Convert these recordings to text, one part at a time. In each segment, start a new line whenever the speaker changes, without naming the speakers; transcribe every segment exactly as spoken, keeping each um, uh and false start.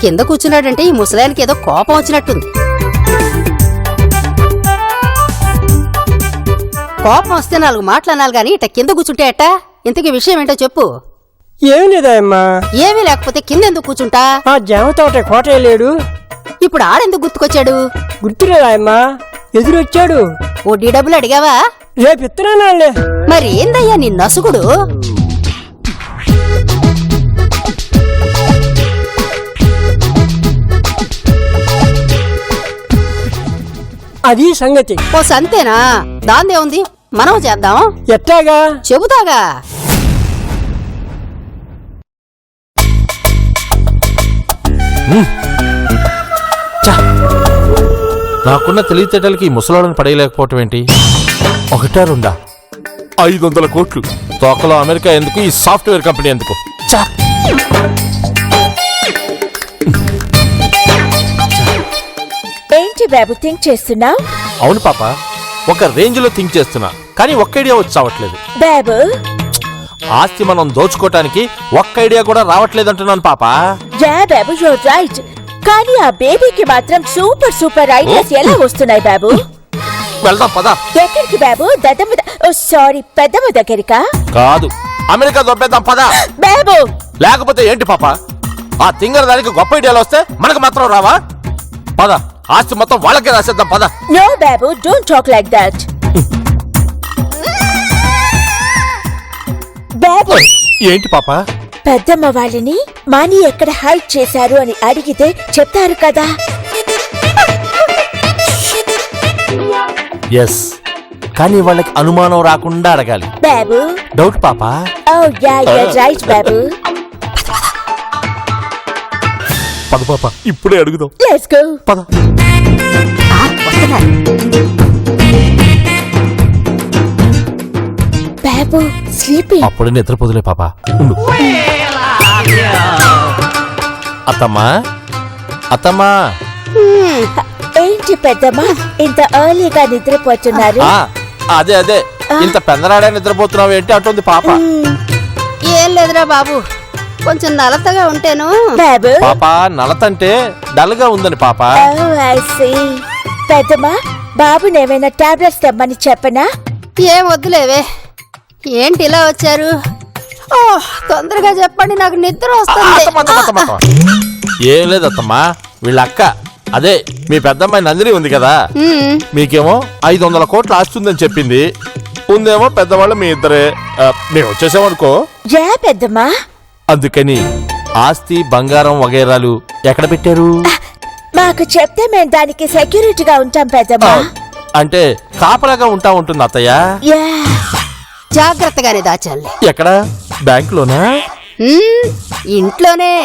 కింద కూర్చున్నాడంటే ఈ ముసలాయనకి ఏదో కోపం వచ్చినట్టుంది. కోపం వస్తే నాలుగు మాటలనాలి గాని ఇట్ట కింద కూర్చుంటే అట్ట. ఇంతకీ విషయం ఏంటో చెప్పు.
ఏం లేదాయమ్మా.
ఏమీ లేకపోతే కింద ఎందుకు కూర్చుంటా?
ఆ జామ తోట కోట లేడు.
ఇప్పుడు ఆడెందుకు గుర్తుకొచ్చాడు?
గుర్తులేదాయమ్మా, ఎదురొచ్చాడు.
వడ్డీ డబ్బులు అడిగావా?
రేపు ఇత్తనాలే.
మరి ఏందయ్యా నీ నసుగుడు?
అది సంగతి.
ఓ సంతేనా? దాందే ఉంది, మనం చేద్దాం.
ఎట్టాగా?
చెబుతాగా.
నాకున్న తెలివితేటలకి ముసలాడని పడేయలేకపోవటం ఏంటి? ఒకటా రెండా? ఐదు వందల కోట్లు తోకలో అమెరికా ఎందుకు, ఈ సాఫ్ట్వేర్ కంపెనీ ఎందుకు?
ఏంటి బాబు థింక్ చేస్తున్నావు?
అవును పాప, ఒక రేంజ్ లో థింక్ చేస్తున్నా, కానీ ఒక్క ఐడియా వచ్చి రావట్లేదు.
బాబు
ఆస్తి మనం దోచుకోవటానికి ఒక్క ఐడియా కూడా రావట్లేదు అంటున్నాను పాప.
యా బాబు యూర్ రైట్, కానీ ఆ బేబీకి మాత్రం సూపర్ సూపర్ ఐడియాస్ ఎలా వస్తున్నాయి బాబు?
వెళ్దాం పద.
ఎక్కడికి బాబు? దద్దమ్మ ఓ సారీ పెద్దమ్మ దగ్గరికా?
కాదు, అమెరికా దొబ్బేద్దాం పద.
బాబు
లేకపోతే ఏంటి పాప, ఆ తింగర దానికి గొప్ప ఐడియాలు వస్తే మనకు మాత్రం రావా? పద, ఆస్తి మొత్తం వాళ్ళకే రాసేద్దాం పద.
నో బాబు, డోంట్ టాక్ లైక్ దట్. బాబు
ఏంటి పాప?
పెద్దమ్మ వాళ్ళని మనీ ఎక్కడ హైడ్ చేశారు అని అడిగితే చెప్తారు కదా.
ఎస్, కానీ వాళ్ళకి అనుమానం రాకుండా అడగాలి.
బాబు
డౌట్ పాప?
ఓ యా యూర్ రైట్ బాబు.
పద పాప, ఇప్పుడే అడుగుదాం.
Let's go.
పద.
బాబు స్లీపింగ్.
అప్పుడే నిద్రపోదులే పాప. అత్తమ్మా, అత్తమ్మా.
ఏంటి పెద్దమ్మా ఇంత ఎర్లీగా నిద్రపోతున్నారు?
అదే అదే, ఇంత పెందరాడే నిద్రపోతున్నావు ఏంటి అంటుంది పాప.
ఏం లేదురా బాబు, కొంచెం నలతగా ఉంటేను.
బాబు
పాప నలతంటే డల్ గా ఉందని పాప.
పెద్దమ్మా బాబుని ఏమైనా టాబ్లెట్స్ తెమ్మని చెప్పనా?
ఏం వద్దులేవే. ఏంటి ఇలా వచ్చారు? ఓ తొందరగా చెప్పండి, నాకు నిద్ర వస్తుంది.
ఏం లేదత్తమ్మా, వీళ్ళ అక్క అదే మీ పెద్దమ్మాయి నందిని ఉంది కదా, మీకేమో ఐదు వందల కోట్లు ఆస్తుందని చెప్పింది. ఉందేమో పెద్దవాళ్ళు మీ ఇద్దరే. మేము వచ్చేసామనుకో.
జా పెద్దమ్మా.
అందుకని ఆస్తి బంగారం వగైరాలు ఎక్కడ పెట్టారు?
మాకు చెప్తే మేము దానికి సెక్యూరిటీగా ఉంటాం పెద్దమ్మా.
అంటే కాపలాగా ఉంటా ఉంటుంది అత్తయ్య.
జాగ్రత్తగానే దాచాలి.
ఎక్కడ? బ్యాంకులోనా?
ఇంట్లోనే.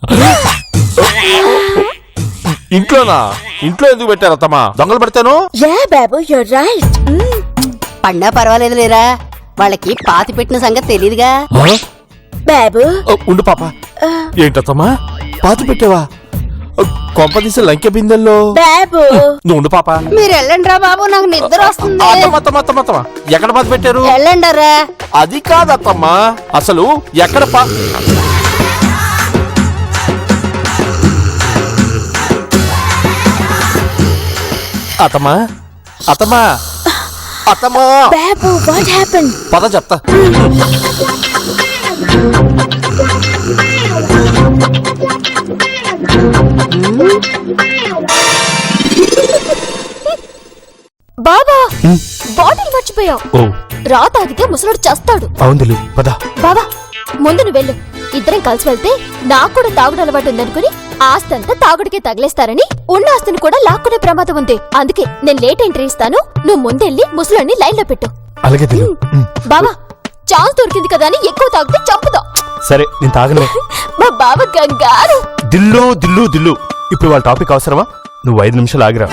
ఇంట్లోనా? ఇంట్లో ఎందుకు పెట్టారు అత్తమ్మా? దొంగలు పెడతాను.
యా బాబు యూర్ రైట్.
పన్నా పర్వాలేదు లేరా, వాళ్ళకి పాతి పెట్టిన సంగతి తెలీదుగా.
బాబు
ఉండు పాప. ఏంటత్తమ్మా పాతి పెట్టావా? కొంపదీసి లంకె బిందెల్లో.
బాబు
నువ్వు ఉండు పాప.
మీరు వెళ్ళండి రా బాబు, నాకు నిద్ర వస్తుంది.
ఎక్కడ పాతి పెట్టారు?
వెళ్ళండరా.
అది కాదత్తమ్మా, అసలు ఎక్కడ పా అత్తమ్మా అత్తమ్మా అత్తమ్మా.
బాబు వాట్ హ్యాపెండ్?
పద చెప్తా.
బాబా బాటిల్ మర్చిపోయావు. రా తాగితే ముసలోడు చేస్తాడు.
అవును పద.
బాబా ముందు నువ్వు వెళ్ళు, ఇద్దరం కలిసి వెళ్తే నాకు కూడా తాగుడు అలవాటు ఉందనుకుని ఆస్తంతా తాగుడికే తగిలేస్తారని ఉన్న ఆస్తిని కూడా లాక్కునే ప్రమాదం ఉంది. అందుకే నేను లేట్ ఎంట్రీ ఇస్తాను, నువ్వు ముందెళ్ళి ముసలోడిని లైన్ లో పెట్టు.
అలాగే
బాబా ఛాన్స్ దొరికింది కదా అని ఎక్కువ తాగితే చంపుతాం.
సరే నేను తాగలే.
మా బావ గంగారు.
దిల్లు దిల్లు దిల్లు. ఇప్పుడు వాళ్ళ టాపిక్ అవసరమా? నువ్వు ఐదు నిమిషాలు ఆగిరా.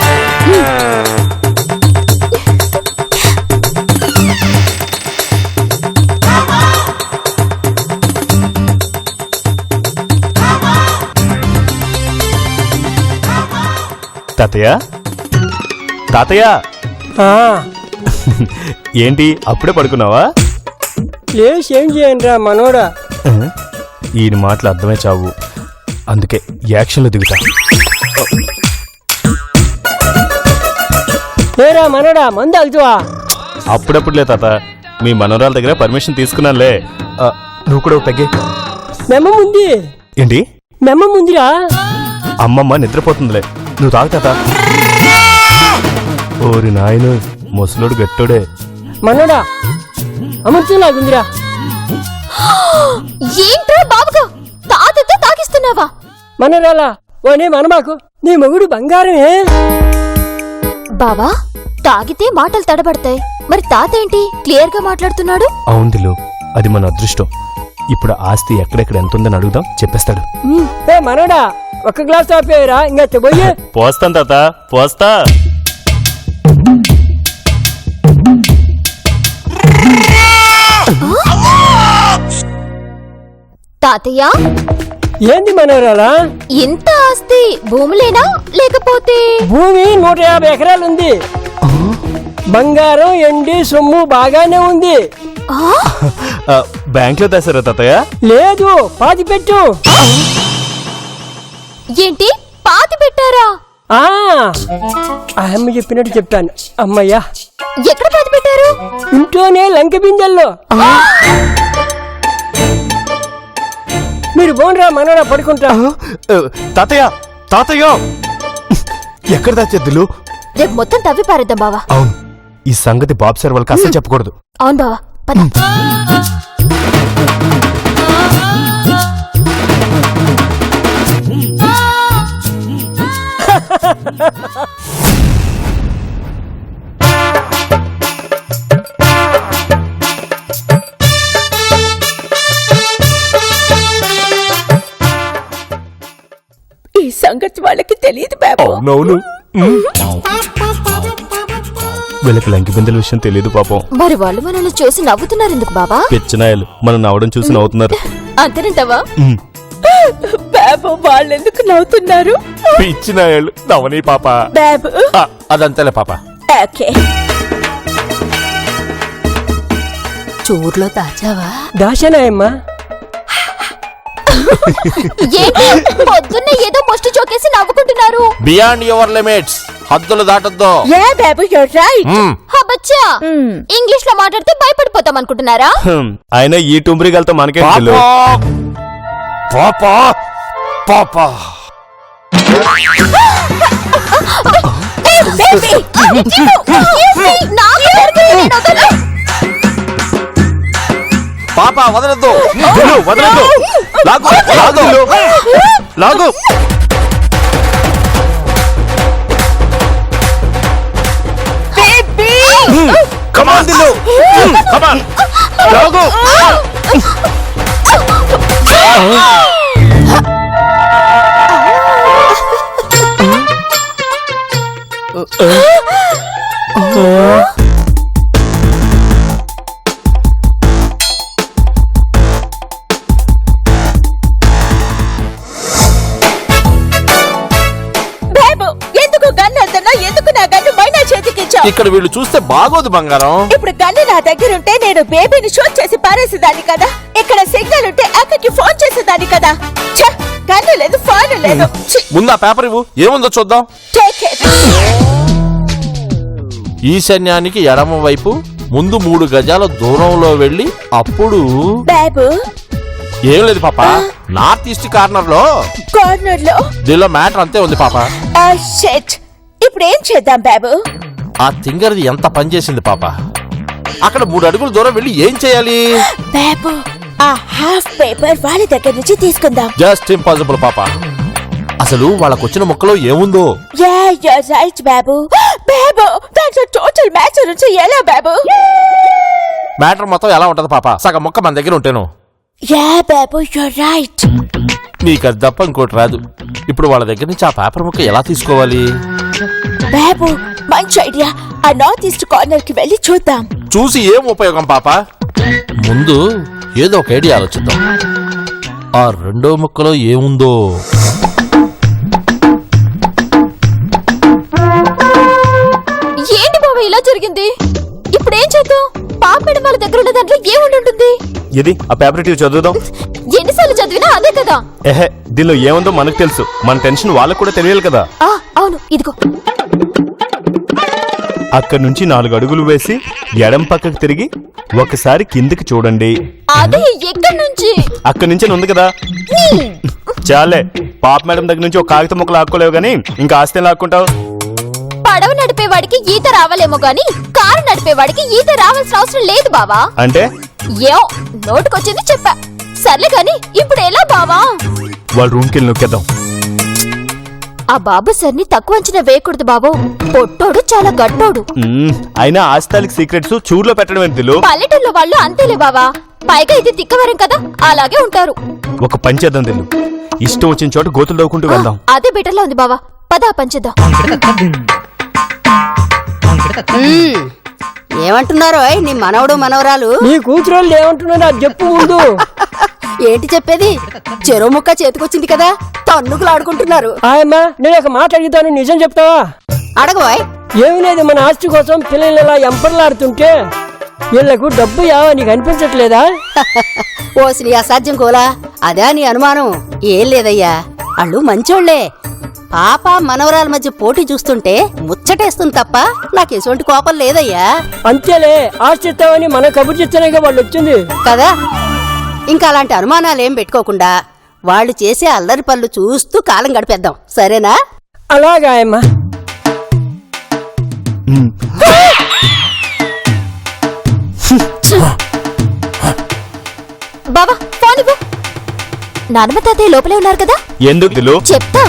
తాతయ్య తాతయ్య ఏంటి అప్పుడే పడుకున్నావా?
లేచి ఏం చేయండి రా మనోడా.
ఈయన మాటలు అర్థమే చావు. అందుకే యాక్షన్లో దిగుతా.
ఏరా మనడా మందు అల్తువా?
అప్పుడప్పుడులే తాత, మీ మనవరాల దగ్గర పర్మిషన్ తీసుకున్నానులే. ఆ, నువ్వు కూడా ఒక పెగ్గే.
మెమ్మ ఉంది,
ఏంటి?
మెమ్మ ఉందిరా.
అమ్మమ్మ నిద్రపోతుందిలే, నువ్వు తాగు తాత. ఓరి నాయను, ముసలోడు గట్టోడే.
మనడా అమృతంలాగుందిరా.
ఏంట్రా బాబుగా తాతతో తాగిస్తున్నావా?
మనరాలా ఓనే మనమాకు, నీ మొగుడు బంగారమే.
బావా తాగితే మాటలు తడబడతాయి, మరి తాత ఏంటి క్లియర్ గా మాట్లాడుతున్నాడు?
అవుందిలు, అది మన అదృష్టం. ఇప్పుడు ఆస్తి ఎక్కడెక్కడ ఎంత ఉందని అడుగుదాం, చెప్పేస్తాడు.
ఏ మనడా ఒక గ్లాస్ ఆపేయరా, ఇంకా తెబోయే.
పోస్తాను తాత, పోస్తా.
తాతయ్య
ఏంది మనరాలా?
ఇంత ఆస్తి భూములేనా లేకపోతే?
భూమి నూట యాభై ఎకరాలు ఉంది, బంగారం ఎండి సొమ్ము బాగానే ఉంది.
ఆ, బ్యాంక్లో దాసారా తాతయ్య?
లేదు, పాతి పెట్టు.
ఏంటి పాతి పెట్టారా?
ఆ అమ్మ చెప్పినట్టు చెప్పాను. అమ్మయ్యా,
ఎక్కడ పాతి పెట్టారు?
ఇంట్లోనే లంక బిందెల్లో. మీరు బోన్రా మనరా, పడుకుంటా.
ఆ, తాతయ్య తాతయ్య ఎక్కడ దాచేద్దులు?
రేపు మొత్తం తవ్వి పారేద్దాం బావా.
అవును, ఈ సంగతి బాబు సార్ వాళ్ళకి అసలు చెప్పకూడదు.
అవును బావా, పద.
ఈ సంగతి వాళ్ళకి తెలియదు బాబు.
అవునవును, వీళ్ళకి లంకి బిందెల విషయం తెలియదు పాపం.
మరి వాళ్ళు మనల్ని చూసి నవ్వుతున్నారు ఎందుకు బావా?
పిచ్చనాయలు మనం నవ్వడం చూసి నవ్వుతున్నారు.
అంతేనంటావా?
ఉమ్.
బాబు వాళ్ళెందుకు నవ్వుతున్నారు?
పిచ్చినాయాళ్ళు నవనీ పాప.
బాబు
ఆ, అదంతేలే పాప.
ఓకే.
చూర్లో దాచావా?
దాశానాయమ్మా.
ఏంటి పొద్దున్న ఏదో ముష్టి చోకేసి నవ్వుకుంటున్నారు?
బియాండ్ యువర్ లిమిట్స్, హద్దులు దాటొద్దు.
యా బాబు యూర్ రైట్.
మ్మ్.
హబచ్చా ఇంగ్లీష్ లో మాట్లాడితే భయపడిపోతాం అనుకుంటున్నారా?
హ్మ్, అయినా ఈ టుంబ్రిగలతో మనకే తెలు.
పాప పాప పాప వదలద్దు.
దిలు, వదలొద్దు.
లాగు లాగు
లాగు. కమాన్ దిలు, కమాన్ లాగు.
బాబు ఎందుకు గన్ను అంతనా? ఎందుకు నా గన్ను మైనా చేతికిచ్చావు?
ఇక్కడ వీళ్ళు చూస్తే బాగోదు బంగారం.
ఇప్పుడు గన్ను నా దగ్గర ఉంటే నేను బేబీని షూట్ చేసి పారేసేదాన్ని కదా. ఇక్కడ సిగ్నల్ ఉంటే అక్కకి ఫోన్ చేసేదాన్ని కదా. ఛ, గన్ను లేదు, ఫోన్ లేదు. ఛీ,
ముందు ఆ పేపర్ ఇవ్వు, ఏముందో చూద్దాం.
take it.
ఈశాన్యానికి ఎడమ వైపు ముందు మూడు గజాల దూరంలో వెళ్ళి అప్పుడు
బాబు
ఏం లేదు పాప, నార్త్ ఈస్ట్ కార్నర్ లో
కార్నర్ లో
దీనిలో మ్యాటర్ అంతే ఉంది పాప.
ఆ షిట్. ఇప్పుడు ఏం చేద్దాం బాబు?
ఆ తింగర్ది ఎంత పనిచేసింది పాప. అక్కడ మూడు అడుగుల దూరం వెళ్ళి ఏం చేయాలి?
బాబు ఆ హాఫ్ పేపర్ వాళ్ళ దగ్గర నుంచి తీసుకుందాం.
జస్ట్ ఇంపాసిబుల్ పాప. అసలు వాళ్ళకు వచ్చిన మొక్కలో ఏముందో?
యా యూర్ రైట్ బాబు. బాబు దాంట్లో టోటల్ మ్యాచ్ నుంచి ఎలా బాబు?
మ్యాటర్ మొత్తం ఎలా ఉంటది పాప? సగం మొక్క మన దగ్గర ఉంటేను.
యా బాబు యూర్ రైట్.
నీకు అది తప్ప ఇంకోటి రాదు. ఇప్పుడు వాళ్ళ దగ్గర నుంచి ఆ పేపర్ ముక్క ఎలా తీసుకోవాలి?
బాబు మంచి ఐడియా. ఆ నార్త్ ఈస్ట్ కార్నర్ కి వెళ్ళి చూద్దాం.
చూసి ఏం ఉపయోగం పాప? ముందు ఏదో ఒక ఐడియా ఆలోచిద్దాం. ఆ రెండో ముక్కలో ఏముందో?
ఏంటి బాబా ఇలా జరిగింది? ఇప్పుడు ఏం చేద్దాం? పాప వాళ్ళ దగ్గర ఉన్న దాంట్లో ఏముండి ఉంటుంది?
ఇది ఆ పేపర్ టీవీ చదువుదాం.
ఎన్నిసార్లు ఎన్నిసార్లు చదివినా అదే కదా.
ఎహే, దీనిలో ఏముందో మనకు తెలుసు, మన టెన్షన్ వాళ్ళకు కూడా తెలియాలి కదా.
ఆ అవును, ఇదిగో.
అక్కడి నుంచి నాలుగు అడుగులు వేసి ఎడం పక్కకు తిరిగి ఒకసారి కిందికి చూడండి.
అదే ఎక్కడి నుంచి?
అక్కడి నుంచి ఉంది కదా. చాలే, పాప మేడం దగ్గర నుంచి ఒక కాగితం ముక్క లాక్కోలేవు గానీ ఇంకా ఆస్తి లాక్కుంటావు.
పడవ నడిపేవాడికి ఈత రావాలేమో గాని కారు నడిపేవాడికి ఈత రావాల్సిన అవసరం లేదు బావా.
అంటే
ఏం నోటుకొచ్చింది చెప్పా. సర్లే గాని ఇప్పుడు ఎలా బావా?
వాళ్ళ రూమ్కి వెళ్ళి నొక్కేద్దాం.
ఆ బాబు సర్ని తక్కువ అంచనా వేయకూడదు బాబు. పొట్టోడు చాలా గట్టోడు.
మ్మ్, అయినా ఆస్తాలకి సీక్రెట్స్ చూరులో పెట్టడం ఎందులో.
పల్లెటూళ్ళలో వాళ్ళు అంతేలే బావా. పైగా ఇది తిక్కవరం కదా, అలాగే ఉంటారు.
ఒక పని చేద్దాం తెలు, ఇష్టం వచ్చిన చోట గోతులు దవ్వుకుంటూ వెళ్దాం.
అదే బెటర్ లా ఉంది బావా. పద పంచేద్దాం.
మ్మ్. ఏమంటున్నారో నీ మనవడు మనవరాలు?
నీ కూతురోళ్ళు ఏమంటున్నారో అది చెప్పు ముందు.
ఏంటి చెప్పేది? చెరువు ముక్క చేతికొచ్చింది కదా, తన్నుకులు ఆడుకుంటున్నారు.
ఆయమ్మా, నేను ఒక మాట అడుగుతాను, నిజం చెప్తావా?
అడగవాయ్.
ఏమి లేదు, మన ఆస్తి కోసం పిల్లలు ఇలా ఎంపర్లాడుతుంటే వీళ్లకు డబ్బు యావా నీకు అనిపించట్లేదా?
ఓసి నీ అసాధ్యం కోలా, అదా నీ అనుమానం? ఏం లేదయ్యా, వాళ్ళు మంచోళ్లే. పాప మనవరాల మధ్య పోటీ చూస్తుంటే ముచ్చటేస్తుంది తప్ప నాకు ఎటువంటి కోపం లేదయ్యా.
అంతేలే, ఆస్తి ఇస్తామని మన కబుర్ చేస్తేనేగా వాళ్ళు వచ్చింది
కదా. ఇంకా అలాంటి అనుమానాలేం పెట్టుకోకుండా వాళ్ళు చేసే అల్లరి పనులు చూస్తూ కాలం గడిపేద్దాం, సరేనా?
అలాగా ఆయమ్మా.
మ్మ్.
బావా ఫోన్ ఇవ్వు. నానమ్మ తాతయ్య లోపలే ఉన్నారు కదా,
ఎందుకు దిలు?
చెప్తా.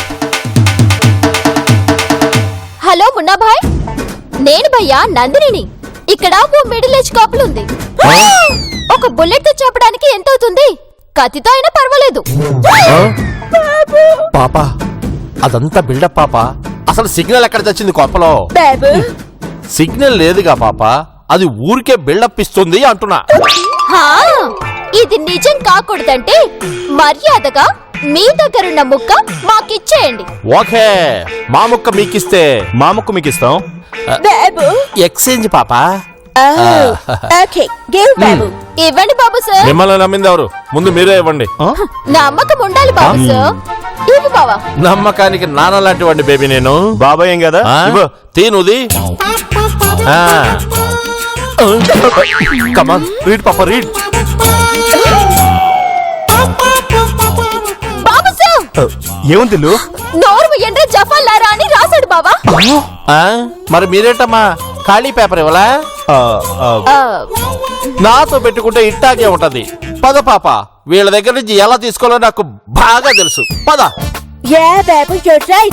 హలో మున్నా భాయ్, నేను భయ్యా నందినిని. ఇక్కడ ఓ మిడిల్ ఏజ్ కపుల్ ఉంది. ఒక బుల్లెట్ తో చెప్పడానికి ఎంత అవుతుంది? కత్తితో అయినా పర్వాలేదు.
పాప అదంతా బిల్డప్ పాప. అసలు సిగ్నల్ ఎక్కడ తెచ్చింది కొప్పలో?
బాబు
సిగ్నల్ లేదుగా పాప, అది ఊరికే బిల్డప్ ఇస్తుంది అంటున్నా.
హా, ఇది నిజం కాకూడదంటే మర్యాదగా మీ దగ్గరున్న ముక్క మాకిచ్చేయండి.
ఓకే, మా ముక్క మీకిస్తే
మా ముక్కు మీకు ఇస్తాం.
బాబు
ఎక్స్చేంజ్ పాప.
ఓకే గివ్ బాబు.
ఇవ్వండి బాబు సార్.
మిమ్మల్ని నమ్మింది ఎవరు? ముందు మీరే ఇవ్వండి.
నమ్మకం ఉండాలి బాబు సార్. ఇవ్వు బావా.
నమ్మకానికి నాన్న లాంటి వాడిని బేబీ నేను.
బాబాయ్ ఏం కదా.
ఆ?
ఇవ్వు.
తీనుది. కమాన్ రీడ్ పాప రీడ్.
బాబు సార్,
ఏముంది దిలు?
నోరు ఎండ్ర జఫాలారా అని రాశాడు బావా.
ఆ? మరి మీరేంటమ్మా ఖాళీ పేపర్ ఇవ్వలా?
ఆ, ఆ,
ఆ,
నాతో పెట్టుకుంటే ఇట్టాగే ఉంటది. పద పాప, వీళ్ళ దగ్గర నుంచి ఎలా తీసుకోవాలో నాకు బాగా తెలుసు. పద.
యా బాబు యూర్ రైట్.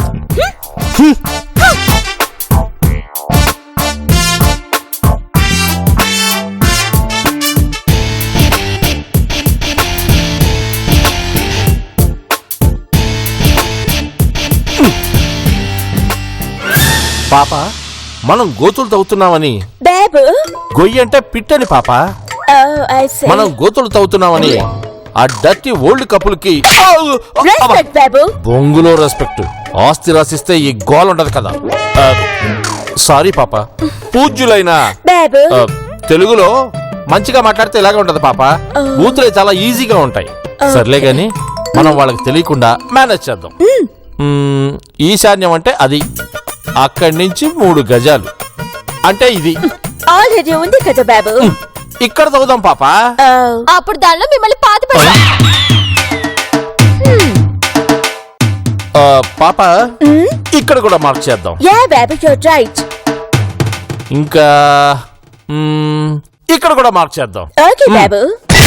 పాప, మనం గోతులు తవ్వుతున్నామని.
బాబు
గొయ్యి అంటే పిట్టని పాప.
Oh I see.
మనం గోతులు తవ్వుతున్నామని ఆ డర్టీ ఓల్డ్ కపుల్కి
రెస్పెక్ట్ బాబు.
బొంగులో రెస్పెక్ట్. ఆస్తి రాసిస్తే ఈ గోల్ ఉంటది కదా. ఆ, సారీ పాప. పూజ్యులైన
బాబు
ఆ, తెలుగులో మంచిగా మాట్లాడితే ఇలాగే ఉంటది పాప. బూతులే చాలా ఈజీగా ఉంటాయి. సర్లే గాని మనం వాళ్ళకి తెలియకుండా మేనేజ్ చేద్దాం. మ్మ్, ఈశాన్యం అంటే అది. అక్కడి నుంచి మూడు గజాలు అంటే ఇది.
ఆల్రెడీ ఉంది కదా బాబు.
ఇక్కడ తవ్వుదాం పాప.
ఓ
అప్పుడు దానిలో మిమ్మల్ని పాతి పెడతా.
ఆ, పాప ఇక్కడ కూడా మార్క్ చేద్దాం.
యా బాబు యూర్ రైట్.
ఇంకా మ్మ్, ఇక్కడ కూడా మార్క్ చేద్దాం.
ఓకే బాబు.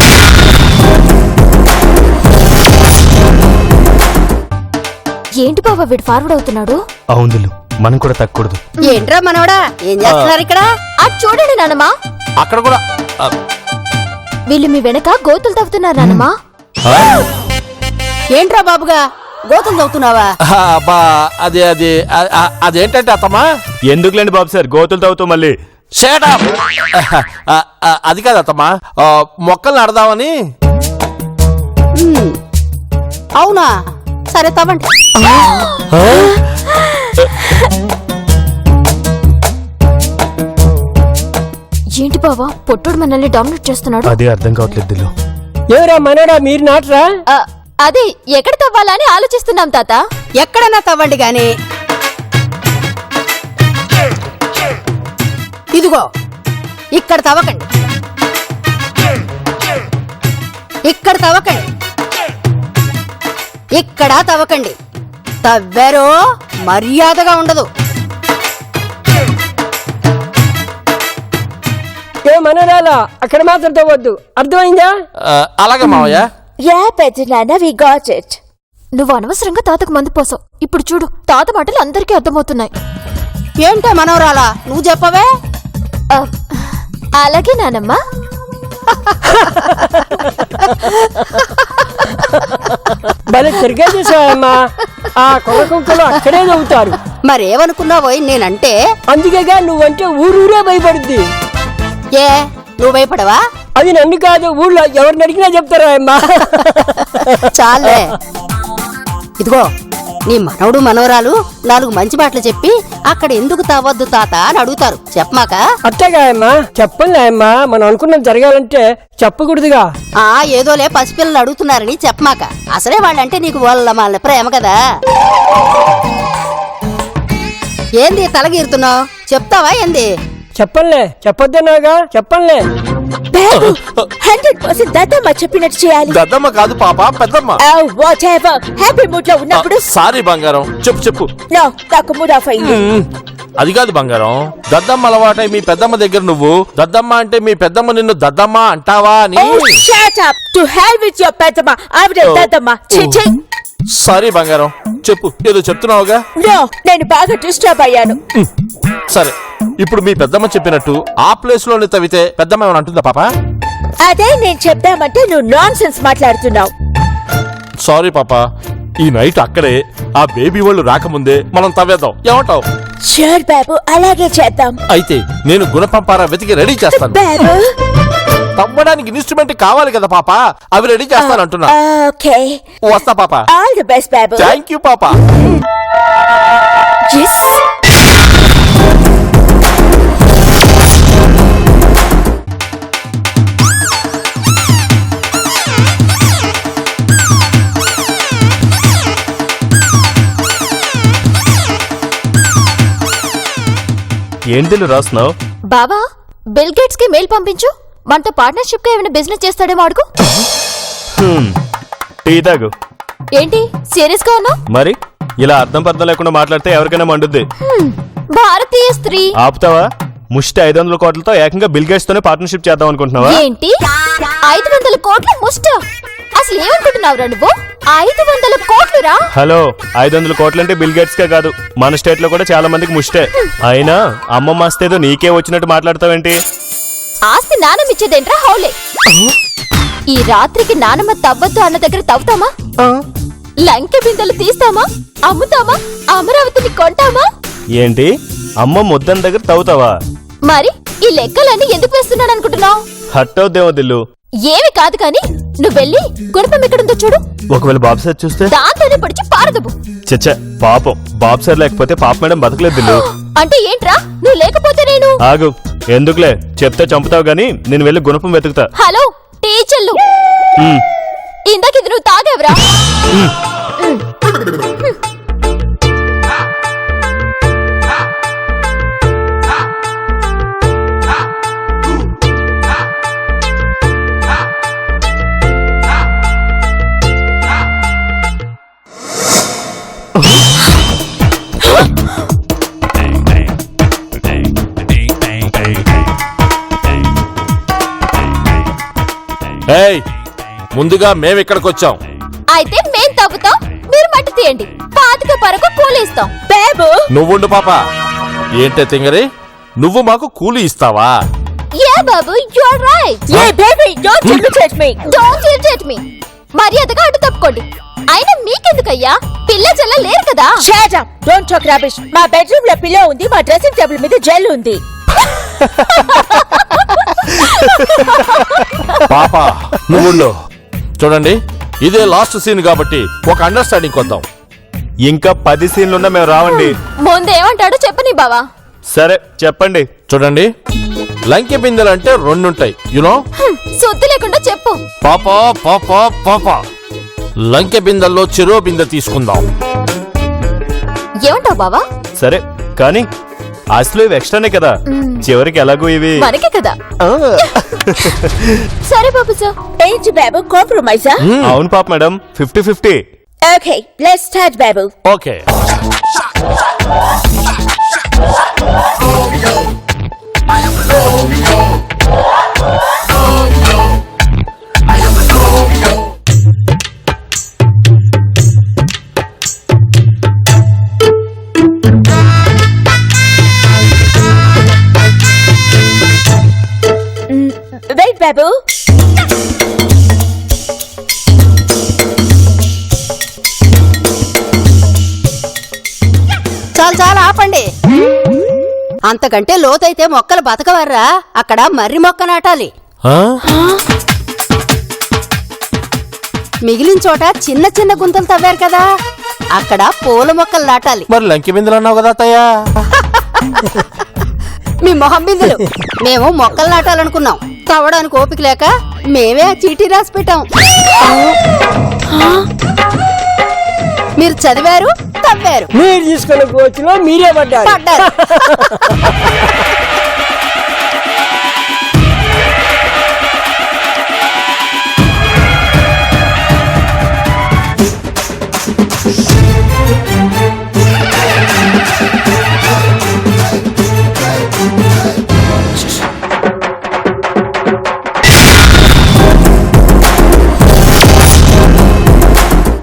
ఏంటి బావా వీడు ఫార్వర్డ్ అవుతున్నాడు?
అవును దిలు, మనం కూడా తగ్గకూడదు.
ఏంట్రా మనవడా, ఏం చేస్తున్నారు ఇక్కడ?
అటు చూడండి నానమ్మా,
అక్కడ కూడా ఆ,
వీళ్ళు మీ వెనక గోతులు తవ్వుతున్నారు నానమ్మా.
ఆ?
ఏంట్రా బాబుగా గోతులు తవ్వుతున్నావా?
ఆ, అబ్బా అదే అదే ఆ- ఆ- అదేంటంటే అత్తమ్మా.
ఎందుకులేండి బాబు సార్, గోతులు తవ్వుతూ మళ్ళీ.
Shut up! ఆ, ఆ, అది కాదు అత్తమ్మా, ఆ, మొక్కలు నడదామని.
మ్మ్. అవునా, సరే తవ్వండి.
ఏంటి బావా పొట్టుడు మనల్ని డామినేట్ చేస్తున్నాడు?
అదే అర్థం కావట్లేదు దిలు.
ఎవరా మనడా మీరు నాటరా?
ఆ, అదే ఎక్కడ తవ్వాలా అని ఆలోచిస్తున్నాం తాత.
ఎక్కడన్నా తవ్వండి గాని ఇదిగో ఇక్కడ తవ్వకండి, ఇక్కడ తవ్వకండి, ఇక్కడ తవ్వకండి. తవ్వారో మర్యాదగా ఉండదు.
ఏ మనరాలా అక్కడ మాత్రం తవ్వద్దు, అర్థమైందా?
ఆ, అలాగే మావయ్య.
యా పెద్ద నాన్న వి గాట్ ఇట్.
నువ్వు అనవసరంగా తాతకు మందు పోసావు. ఇప్పుడు చూడు తాత మాటలు అందరికీ అర్థమవుతున్నాయి.
ఏంటో మనవరాలా నువ్వు చెప్పవే.
ఆ, అలాగే నానమ్మ.
భలే తిరిగే చూసావమ్మా. ఆ కొర కుంకలు అక్కడే నవ్వుతారు.
మరేమనుకున్నావో నేనంటే.
అందుకేగా నువ్వంటే ఊరూరే భయపడుద్ది.
ఏ నువ్వు భయపడవా?
అది నన్ను కాదు, ఊళ్ళో ఎవరిని అడిగినా చెప్తారా అమ్మా.
చాలే. ఇదిగో నీ మనవడు మనవరాలు నాలుగు మంచి మాటలు చెప్పి అక్కడ ఎందుకు తవ్వద్దు తాత అని అడుగుతారు. చెప్పమాక.
అట్టగా అమ్మా, చెప్పలే అమ్మా. మనం అనుకున్నది జరగాలంటే చెప్పకూడదుగా.
ఆ ఏదోలే పసిపిల్లలు అడుగుతున్నారని చెప్పమాక. అసలే వాళ్ళంటే నీకు వాళ్ళ మన ప్రేమ కదా. ఏంది తలగీరుతున్నావు? చెప్తావా ఏంది?
చెప్పలే, చెప్పొద్దన్నాగా, చెప్పలే.
హండ్రెడ్ పర్సెంట్ దద్దమ్మ చెప్పినట్టు చేయాలి.
దద్దమ్మ కాదు పాప, పెద్దమ్మ.
వాట్ ఎవర్, హ్యాపీ మూడ్ లో ఉన్నప్పుడు.
సారీ బంగారం, చెప్పు చెప్పు.
నో, నాకు మూడ్ ఆఫ్ అయింది.
అది కాదు బంగారం, దద్దమ్మ అలవాటై మీ పెద్దమ్మ దగ్గర నువ్వు దద్దమ్మ అంటే మీ పెద్దమ్మ నిన్ను దద్దమ్మ అంటావా అని.
Shut up, to hell with your పెద్దమ్మ. ఆవిడ దద్దమ్మ. ఛీ ఛీ.
సారీ బంగారం, చెప్పు ఏదో చెప్తున్నావుగా.
నో, నేను బాగా డిస్టర్బ్ అయ్యాను.
సరే, ఇప్పుడు మీ పెద్దమ్మ చెప్పినట్టు ఆ ప్లేస్ లోనే తవ్వితే పెద్దమ్మ ఏమైనా అంటుందా పాప?
అదే నేను చెప్దామంటే నువ్వు నాన్ సెన్స్ మాట్లాడుతున్నావు.
సారీ పాప, ఈ నైట్ అక్కడే ఆ బేబీ వాళ్ళు రాకముందే మనం తవ్వేద్దాం, ఏమంటావు?
షూర్ బాబు, అలాగే చేద్దాం.
అయితే నేను గుణపంపారా వెతికి రెడీ చేస్తాను.
బాబు,
తవ్వడానికి ఇన్స్ట్రుమెంట్ కావాలి కదా పాప, అవి రెడీ చేస్తాను అంటున్నా.
ఓకే,
వస్తా పాప.
ఆల్ ది బెస్ట్ బాబు.
థ్యాంక్ యూ పాప.
Yes.
ఏంటి రాస్తున్నావు?
బావా, బిల్ గేట్స్ కి మెయిల్ పంపించు. మనతో పార్ట్నర్షిప్ గా ఏమైనా బిజినెస్ చేస్తాడేమో అడుగు.
టీ తాగు.
ఏంటి సీరియస్ గా ఉన్నావు?
మరి ఇలా అర్థం పర్థం లేకుండా మాట్లాడితే ఎవరికైనా మండుద్ది.
భారతీయ స్త్రీ.
ఆపుతావా? ముష్టి ఐదు వందల కోట్లతో ఏకంగా బిల్ గేట్స్ తోనే పార్ట్నర్షిప్ చేద్దాం అనుకుంటున్నావా?
ఏంటి ఐదు వందల కోట్ల ముష్ట? అసలు ఏమనుకుంటున్నావురా నువ్వు? ఐదు వందల కోట్లు రా.
హలో, ఐదు వందల కోట్లు అంటే బిల్ గేట్స్ కే కాదు, మన స్టేట్ లో కూడా చాలా మందికి ముష్టే. అయినా అమ్మమ్మ ఆస్తేదో నీకే వచ్చినట్టు మాట్లాడతావేంటి?
ఆస్తి నానమిచ్చేదేంట్రా హౌలే. ఈ రాత్రికి నానమ్మ తవ్వద్దు అన్న దగ్గర తవ్వుతామా? లంకె బిందెలు తీస్తామా? అమ్ముతామా? అమరావతిని కొంటామా?
ఏంటి అమ్మ ముద్దన్ దగ్గర తవ్వుతావా?
మరి ఈ లెక్కలన్నీ ఎందుకు వేస్తున్నాను అనుకుంటున్నావు?
హట్టవుద్దేమో దిల్లు.
ఏమి కాదు కాని నువ్వు వెళ్ళి గుణపం ఎక్కడుందో చూడు.
ఒకవేళ బాబు సార్ చూస్తే?
దాంతోనే పడిచి పారదబు.
చచ్చ, పాపం బాబు సార్ లేకపోతే పాప మేడం బతకలేదు దిల్లు.
అంటే ఏంట్రా, నువ్వు లేకపోతే నేను?
ఆగు, ఎందుకులే, చెప్తే చంపుతావు గాని నేను వెళ్ళి గుణపం వెతుకుతా.
హలో టీచర్లు, ఇందాక ఇది నువ్వు తాగేవరా?
ఏయ్, ముందుగా మేము ఇక్కడికి వచ్చాం.
అయితే మేం తవ్వుతాం, మీరు మట్టి తీయండి. పాతిక పరకు కూలిస్తాం.
బాబు,
నువ్వుండు పాప. ఏంటే తింగరి, నువ్వు మాకు కూలి ఇస్తావా?
యా బాబు, you are right.
Hey baby, don't irritate me.
Don't irritate me. మర్యాదగా అడ్డు తప్పుకోండి. అయినా మీకెందుకయ్యా, పిల్ల చెల్ల లేరు కదా.
Shut up, don't talk rubbish. మా బెడ్రూమ్ లో పిల్లో ఉంది, మా డ్రెస్సింగ్ టేబుల్ మీద జెల్ ఉంది.
పాప నువ్వుండు. చూడండి, ఇదే లాస్ట్ సీన్ కాబట్టి ఒక అండర్స్టాండింగ్ కొద్దాం.
ఇంకా పది సీన్లున్నా మేము రావండి.
ముందేమంటాడో చెప్పని బావా.
సరే చెప్పండి.
చూడండి, లంకె బిందెలు అంటే రెండుంటాయి యునో
సొద్దు లేకుండా చెప్పు.
పాపా పాపా పాపా లంకె బిందెల్లో చెరో బిందె తీసుకుందాం.
ఏమంటావు బావా?
సరే కానీ అసలు ఇవి ఎక్స్ట్రానే కదా, చివరికి ఎలాగో ఇవి
మనకే కదా. సరే బాబు సార్.
ఏంటి బాబు కాంప్రమైజా?
అవును పాప madam, fifty fifty.
Okay let's start బాబు.
ఓకే
వెయిట్ బాబు.
చాలు చాలు ఆపండి. అంతకంటే లోతైతే మొక్కలు బతకవర్రా. అక్కడ మర్రి మొక్క నాటాలి.
ఆ?
మిగిలిన చోట చిన్న చిన్న గుంతలు తవ్వారు కదా, అక్కడ పూల మొక్కలు నాటాలి.
మరి లంకె బిందెలు అన్నావు కదా అత్తయ్యా.
మీ మొహం బిందులు. మేము మొక్కలు నాటాలనుకున్నాం, తవ్వడానికి ఓపిక లేక మేమే ఆ చీటీ రాసి పెట్టాం. మీరు చదివారు, తవ్వారు,
మీరు తీసుకున్న కోచ్లో మీరే పడ్డారు.
పడ్డారు.